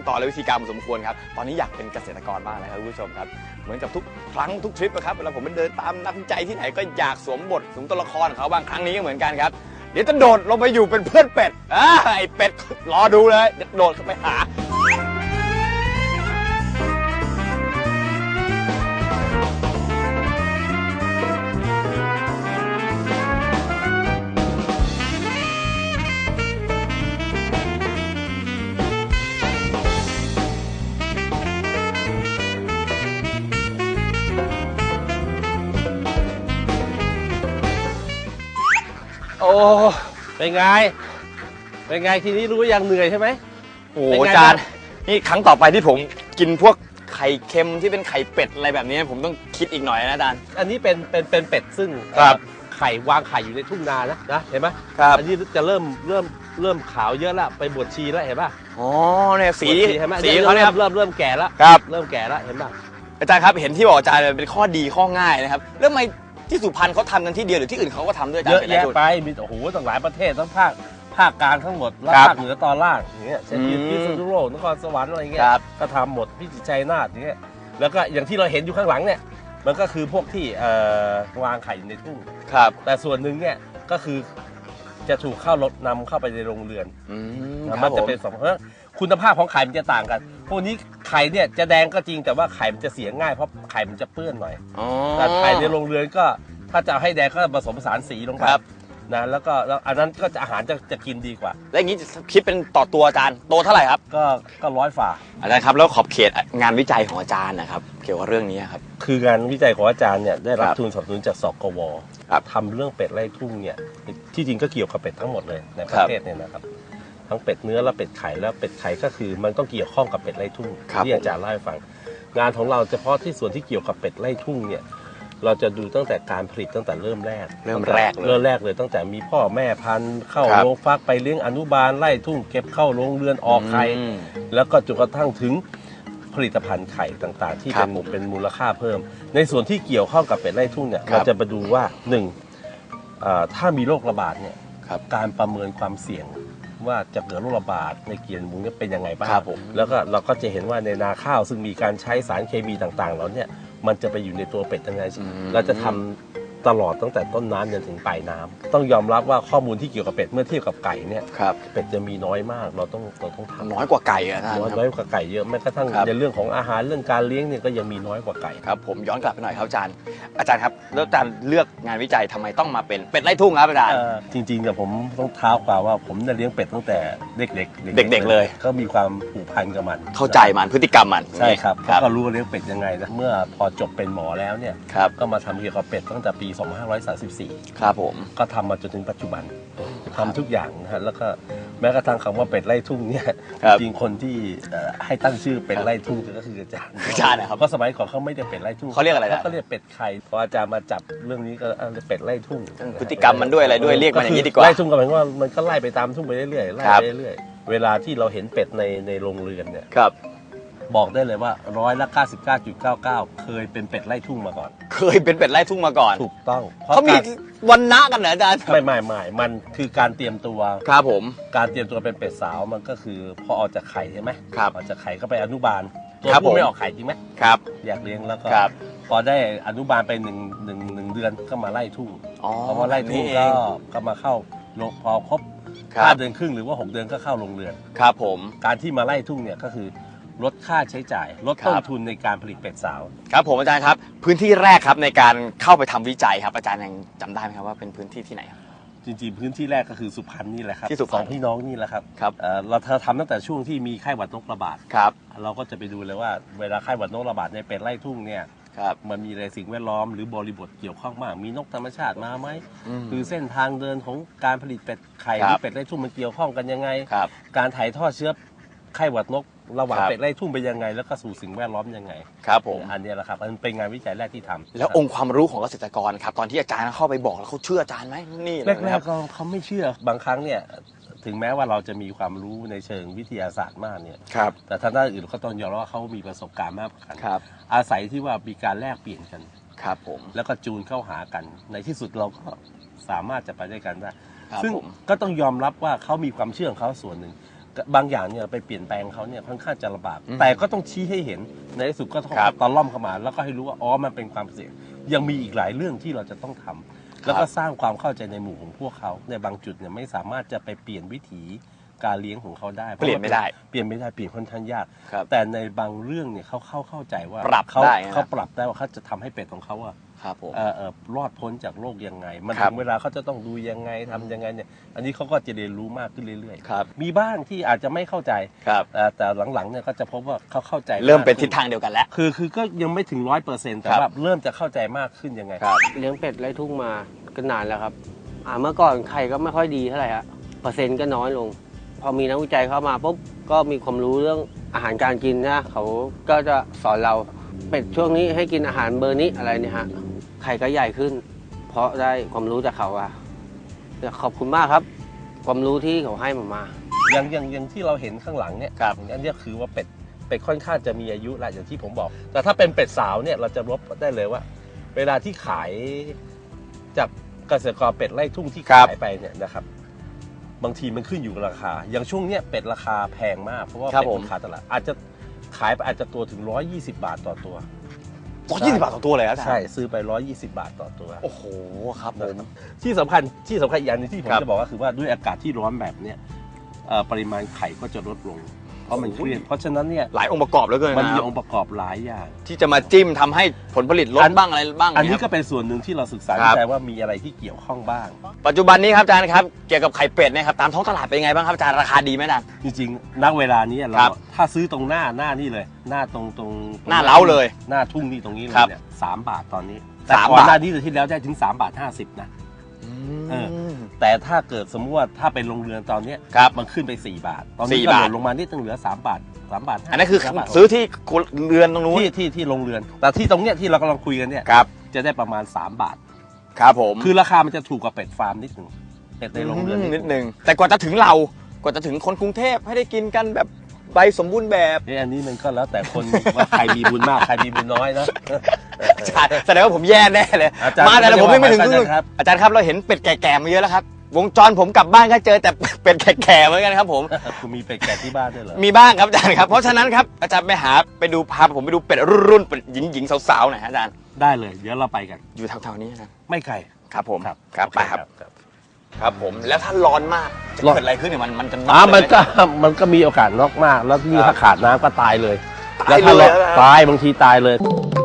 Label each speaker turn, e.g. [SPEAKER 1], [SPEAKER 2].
[SPEAKER 1] ขั้นตอนและวิธีการพอสมควรครับตอนนี้อยากเป็นเกษตรกรบ้างนะครับคุณผู้ชมครับเหมือนกับทุกครั้งทุกทริปนะครับเวลาผมไปเดินตามนักวิจัยที่ไหนก็อยากสวมบทสวมตัวละครของเขาบ้างครั้งนี้ก็เหมือนกันครับเดี๋ยวจะโดดลงไปอยู่เป็นเพื่อนเป็ดไอ้เป็ดรอดูเลยโดดเข้าไปหา
[SPEAKER 2] โอ้เป็นไงทีนี้รู้ยังเหนื่อยใช่ไหม
[SPEAKER 1] โอ้อาจารย์นี่ครั้งต่อไปที่ผมกินพวกไข่เค็มที่เป็นไข่เป็ดอะไรแบบนี้ผมต้องคิดอีกหน่อยนะอาจารย์
[SPEAKER 2] อันนี้เป็นเป็ดซึ่งไข่วางไข่อยู่ในทุ่งนานะเห็นไหม
[SPEAKER 1] ครับ
[SPEAKER 2] อันนี้จะเริ่มขาวเยอะแล้วไปบวชชีแล้วเห็นป่ะ
[SPEAKER 1] อ๋อเนี่ยสี
[SPEAKER 2] เขาเนี่ยเริ่มแก่แล้วเริ่มแก่แล้วเห็นป่ะ
[SPEAKER 1] อาจารย์ครับเห็นที่บอกอาจารย์เป็นข้อดีข้อง่ายนะครับแล้วทำไมที่สุพรรณเขาทำกันที่เดียวหรือที่อื่นเขาก็ทำด้วยอาจารย์
[SPEAKER 2] เยอะแยะไปมีโอ้โหตั้งหลายประเทศทั้งภาคกลางทั้งหมดแล้วภาคเหนือตอนล่างอย่างเงี้ยเช่นพิษณุโลกนครสวรรค์อะไรเงี้ยก็ทำหมดพิจิตรชัยนาทอย่างเงี้ยแล้วก็อย่างที่เราเห็นอยู่ข้างหลังเนี่ยมันก็คือพวกที่วางไข่อยู่ในทุ่งแต่ส่วนหนึ่งเนี่ยก็คือจะถูกนำเข้าไปในโรงเรือนมันจะเป็นสองเพราะคุณภาพของไข่มันจะต่างกันพวกนี้ไข่เนี่ยจะแดงก็จริงแต่ว่าไข่มันจะเสียง่ายเพราะไข่มันจะเปื้อนหน่อยแต่ไข่ในโรงเรือนก็ถ้าจะให้แดงก็ผสมผสานสีลงไปนะแล้วอันนั้นก็อาหารจะกินดีกว่า
[SPEAKER 1] แล้วอย่างนี้จะคิดเป็นต่อตัวอาจารย์โตเท่าไหร่ครับ
[SPEAKER 2] ก็100 ฝ่า
[SPEAKER 1] อาจารย์ครับแล้วขอบเขตงานวิจัยของอาจารย์นะครับเกี่ยวกับเรื่องนี้ครับ
[SPEAKER 2] คืองานวิจัยของอาจารย์เนี่ยได้รับทุนสนับสนุนจากสกว.ทำเรื่องเป็ดไร่ทุ่งเนี่ยที่จริงก็เกี่ยวกับเป็ดทั้งหมดเลยในประเทศเนี่ยนะครับทั้งเป็ดเนื้อและเป็ดไข่แล้วเป็ดไข่ก็คือมันต้องเกี่ยวข้องกับเป็ดไร่ทุ่งที่อาจารย์เล่าให้ฟังงานของเราเฉพาะที่ส่วนที่เกี่ยวกับเป็ดไร่ทุ่งเนี่ยเราจะดูตั้งแต่การผลิตตั้งแต่เริ่มแรกเลยตั้งแต่มีพ่อแม่พันธุ์เข้าโรงฟักไปเลี้ยงอนุบาลไล่ทุ่งเก็บเข้าโรงเรือนออกไข่แล้วก็จนกระทั่งถึงผลิตภัณฑ์ไข่ต่างๆที่เป็นมูลค่าเพิ่มในส่วนที่เกี่ยวข้องกับเป็ดไร่ทุ่งเนี่ยเราจะมาดูว่าถ้ามีโรคระบาดเนี่ยการประเมินความเสี่ยงว่าจะเกิดโรคระบาดในเกียรติหมูเป็นยังไงบ้างแล้วก็เราก็จะเห็นว่าในนาข้าวซึ่งมีการใช้สารเคมีต่างๆแล้วเนี่ยมันจะไปอยู่ในตัวเป็ดยังไงเราจะทำตลอดตั้งแต่ต้นน้ำจนถึงปลายน้ำต้องยอมรับว่าข้อมูลที่เกี่ยวกับเป็ดเมื่อเทียบกับไก่เนี่ยเป็ดจะมีน้อยมากเราต้องทำ
[SPEAKER 1] น้อยกว่าไก่อะ
[SPEAKER 2] น้อยกว่าไก่เยอะแม้กระทั่งในเรื่องของอาหารเรื่องการเลี้ยงเนี่ยก็ยังมีน้อยกว่าไก่
[SPEAKER 1] ครับผมย้อนกลับไปหน่อยครับอาจารย์ครับแล้วอาจารย์เลือกงานวิจัยทำไมต้องมาเป็นเป็ดไร่ทุ่งครับอาจารย์
[SPEAKER 2] จริงๆเนี่ยผมต้องเท้าความว่าผมเลี้ยงเป็ดตั้งแต่เด็ก
[SPEAKER 1] เลย
[SPEAKER 2] ก็มีความผูกพันกับมัน
[SPEAKER 1] เข้าใจมันพฤติกรรมมัน
[SPEAKER 2] ใช่ครับก็รู้ว่าเลี้ยงเป็ดยังไงนะเมื่อพอจบเป็นหมอแล้วเนี่ยก็มาทำเกี่ยวกับเป็ดตั้งแต่ปี2534
[SPEAKER 1] ครับผม
[SPEAKER 2] ก็ทำมาจนถึงปัจจุบันทำทุกอย่างนะฮะแล้วก็แม้กระทั่งคำว่าเป็ดไร่ทุ่งเนี่ยจริงคนที่ให้ตั้งชื่อเป็ดไร่ทุ่งก็คืออาจารย์
[SPEAKER 1] นะครับ
[SPEAKER 2] เพราะสมัยก่อนเขาไม่ได้เป็ดไร่ทุ่ง
[SPEAKER 1] เขาเรียกอะไร
[SPEAKER 2] เขาเรียกเป็ดไข่พออาจารย์มาจับเรื่องนี้ก็เป็ดไร่ทุ่ง
[SPEAKER 1] พฤติกรรมมันด้วยอะไรด้วยเรียกมันอย่างนี้ดีกว่า
[SPEAKER 2] ไร่ทุ่งก็หมายว่ามันก็ไล่ไปตามทุ่งไปเรื่อยๆไล่ไปเรื่อยๆเวลาที่เราเห็นเป็ดในโรงเรือนเนี่ยบอกได้เลยว่า99.99%เคยเป็นเป็ดไร่ทุ่งมาก่อน
[SPEAKER 1] เคยเป็นเป็ดไร่ทุ่งมาก่อน
[SPEAKER 2] ถูกต้อง
[SPEAKER 1] เขามีวันนะกันเหรออาจารย์
[SPEAKER 2] ไม่มันคือการเตรียมตัว
[SPEAKER 1] ครับผม
[SPEAKER 2] การเตรียมตัวเป็นเป็ดสาวมันก็คือพอออกจากไข่ใช่ไหมออกจากไข่ก็ไปอนุบาลตัวผู้ไม่ออกไข่จริงไหม
[SPEAKER 1] ครับ
[SPEAKER 2] อยากเลี้ยงแล้วก็พอได้อนุบาลไป1 เดือนก็มาไล่ทุ่งพอไล่ทุ่งก็มาเข้าพอครบ5 เดือนครึ่งหรือว่า6 เดือนก็เข้าโรงเรือน
[SPEAKER 1] ครับผม
[SPEAKER 2] การที่มาไล่ทุ่งเนี่ยก็คือลดค่าใช้จ่ายลดต้นทุนในการผลิตเป็ดสาว
[SPEAKER 1] ครับผมอาจารย์ครับพื้นที่แรกครับในการเข้าไปทำวิจัยครับอาจารย์ยังจำได้ไหมครับว่าเป็นพื้นที่ที่ไหนครับ
[SPEAKER 2] จริงๆพื้นที่แรกก็คือสุพรรณนี่แหละครับ
[SPEAKER 1] ที่สุพรรณ
[SPEAKER 2] พี่น้องนี่แหละครับเราทำตั้งแต่ช่วงที่มีไข้หวัดนกระบาดเราก็จะไปดูเลยว่าเวลาไข้หวัดนกระบาดในเป็ดไร่ทุ่งเนี่ยมันมีอะไรสิ่งแวดล้อมหรือบริบทเกี่ยวข้องมากมีนกธรรมชาติมาไหมคือเส้นทางเดินของการผลิตเป็ดไข่หรือเป็ดไร่ทุ่งมันเกี่ยวข้องกันยังไงการถ่ายทอดเชื้อไข้หวัดนกระหว่างเป็ดไร่ทุ่งไปยังไงแล้วก็สู่สิ่งแวดล้อมยังไง
[SPEAKER 1] ครับผม
[SPEAKER 2] อันนี้แหละครับมันเป็นงานวิจัยแรกที่ทำ
[SPEAKER 1] แล้วองค์ความรู้ของเกษตรกรครับตอนที่อาจารย์เข้าไปบอกแล้วเขาเชื่ออาจารย์ไหมนี่
[SPEAKER 2] แรกๆเขาไม่เชื่อบางครั้งเนี่ยถึงแม้ว่าเราจะมีความรู้ในเชิงวิทยาศาสตร์มากเนี่ยแต่ทางด้านอื่นเขาต้องยอมรับว่าเขามีประสบการณ์มากกว่ากันอาศัยที่ว่ามีการแลกเปลี่ยนกัน
[SPEAKER 1] ครับผม
[SPEAKER 2] แล้วก็จูนเข้าหากันในที่สุดเราก็สามารถจะไปด้วยกันได้ซึ่งก็ต้องยอมรับว่าเขามีความเชื่อของเขาส่วนหนึ่งบางอย่างเนี่ยไปเปลี่ยนแปลงเขาเนี่ยค่อนข้างจะลำบากแต่ก็ต้องชี้ให้เห็นในที่สุดก็ต้องตะล่อมเข้ามาแล้วก็ให้รู้ว่าอ๋อมันเป็นความเสี่ยงยังมีอีกหลายเรื่องที่เราจะต้องทำแล้วก็สร้างความเข้าใจในหมู่ของพวกเขาในบางจุดเนี่ยไม่สามารถจะไปเปลี่ยนวิถีการเลี้ยงของเขาได้
[SPEAKER 1] เปลี่ยนไม่ได้
[SPEAKER 2] เปลี่ยนค่อนข้างยากแต่ในบางเรื่องเนี่ยเขาเข้าใจว่าเขาปรับได้ว่าเขาจะทำให้เป็ดของเขาอะรอดพ้นจากโรคยังไงมันถึงเวลาเขาจะต้องดูยังไงทำยังไงเนี่ยอันนี้เขาก็จะเรียนรู้มากขึ้นเรื่อยๆมีบ้างที่อาจจะไม่เข้าใจแต่หลังๆเนี่ยก็จะพบว่าเขาเข้าใจ
[SPEAKER 1] เริ่มเป็นทิศทางเดียวกันแล้ว
[SPEAKER 2] คือก็ยังไม่ถึง100%แต่ว่าเริ่มจะเข้าใจมากขึ้นยังไง
[SPEAKER 3] เลี้ยงเป็ดไร่ทุ่งมาก็นานแล้วครับเมื่อก่อนไข่ก็ไม่ค่อยดีเท่าไหร่ฮะเปอร์เซ็นต์ก็น้อยลงพอมีนักวิจัยเข้ามาปุ๊บก็มีความรู้เรื่องอาหารการกินนะเขาก็จะสอนเราเป็ดช่วงนี้ให้กินอาหารเบอร์นี้อะไรเนี่ยฮะไข่ก็ใหญ่ขึ้นเพราะได้ความรู้จากเขาขอบคุณมากครับความรู้ที่เขาให้มา
[SPEAKER 2] อย่างที่เราเห็นข้างหลังเนี่ยอันนี้คือว่าเป็ดค่อนข้างจะมีอายุละอย่างที่ผมบอกแต่ถ้าเป็นเป็ดสาวเนี่ยเราจะลบได้เลยว่าเวลาที่ขายจากเกษตรกรเป็ดไร่ทุ่งที่ขายไปเนี่ยนะครับบางทีมันขึ้นอยู่กับราคาอย่างช่วงเนี้ยเป็ดราคาแพงมากเพราะว่าเป็ดราคาตลาดอาจจะขายไปอาจจะตัวถึง120 บาทต่อตัว
[SPEAKER 1] 120 บาทต่อตัวเลยครับ
[SPEAKER 2] ใช่ซื้อไป120 บาทต่อตัว
[SPEAKER 1] โอ้โหครับผม
[SPEAKER 2] ที่สำคัญอีกอย่างนึงที่ผมจะบอกก็คือว่าด้วยอากาศที่ร้อนแบบเนี้ยปริมาณไข่ก็จะลดลงเพราะมันเครียดเพราะฉะนั้นเนี่ย
[SPEAKER 1] หลายองค์ประกอบแล้วเกิน
[SPEAKER 2] มันมีองค์ประกอบหลายอย่าง
[SPEAKER 1] ที่จะมาจิ้มทำให้ผลผลิตลดบ้างอะไรบ้าง
[SPEAKER 2] อันนี้ก็เป็นส่วนหนึ่งที่เราศึกษาวิจัยว่ามีอะไรที่เกี่ยวข้องบ้าง
[SPEAKER 1] ปัจจุบันนี้ครับอาจารย์ครับเกี่ยวกับไข่เป็ดเนี่ยครับตามท้องตลาดเป็นยังไงบ้างครับอาจารย์ราคาดีไหมอาจารย์
[SPEAKER 2] จริงๆณเวลานี้เราถ้าซื้อตรงหน้านี่เลยหน้าตรง
[SPEAKER 1] หน้าเล้าเลย
[SPEAKER 2] หน้าทุ่งนี่ตรงนี้เลยเนี่ย3 บาทตอนนี้แต่ก่อนหน้านี้ที่แล้วได้ถึง3.50 บาทนะแต่ถ้าเกิดสมมติว่าถ้าเป็นโรงเรือนตอนนี้มันขึ้นไป4 บาทตอนนี้ก็ลงมานิดนึงเหลือ3 บาท
[SPEAKER 1] อันนั้นคือซื้อที่เรือนตรงนู้น
[SPEAKER 2] ที่โรงเรือนแต่ที่ตรงเนี้ยที่เรากำลังคุยกันเนี่ยจะได้ประมาณ3 บาท
[SPEAKER 1] ครับผม
[SPEAKER 2] คือราคามันจะถูกกว่าเป็ดฟาร์มนิดนึงเป็ดในโรงเรือน
[SPEAKER 1] นิดนึงแต่กว่าจะถึงเรากว่าจะถึงคนกรุงเทพให้ได้กินกันแบบใบสมบูรณ์แบบ
[SPEAKER 2] อันนี้มันก็แล้วแต่คนว่าใครมีบุญมากใครมีบุญน้อยนะ
[SPEAKER 1] แสดงว่าผมแย่แน่เลยมาแต่ผมไม่ถึงครึ่งอาจารย์ครับเราเห็นเป็ดแก่ๆมาเยอะแล้วครับวงจรผมกลับบ้านก็เจอแต่เป็ดแก่ๆเหมือนกันครับผม
[SPEAKER 2] คุณมีเป็ดแก่ที่บ้านด้วยเหรอ
[SPEAKER 1] มีบ้างครับอาจารย์ครับเพราะฉะนั้นครับอาจารย์ไปดูพาผมไปดูเป็ดรุ่นเป็ดหญิงสาวๆหน่อยอาจารย์
[SPEAKER 2] ได้เลยเดี๋ยวเราไปกัน
[SPEAKER 1] อยู่แถวๆนี้นะ
[SPEAKER 2] ไม่ไกล
[SPEAKER 1] ครับผมครับไปครับผมแล้วถ้าร้อนมากจะเกิดอะไรขึ้นเนี่ยมันจะ
[SPEAKER 2] มันก็มีโอกาสน็อกมากแล้วที่ถ้าขาดน้ำก็ตายเลยแล้วถ้าตายบางทีตายเลย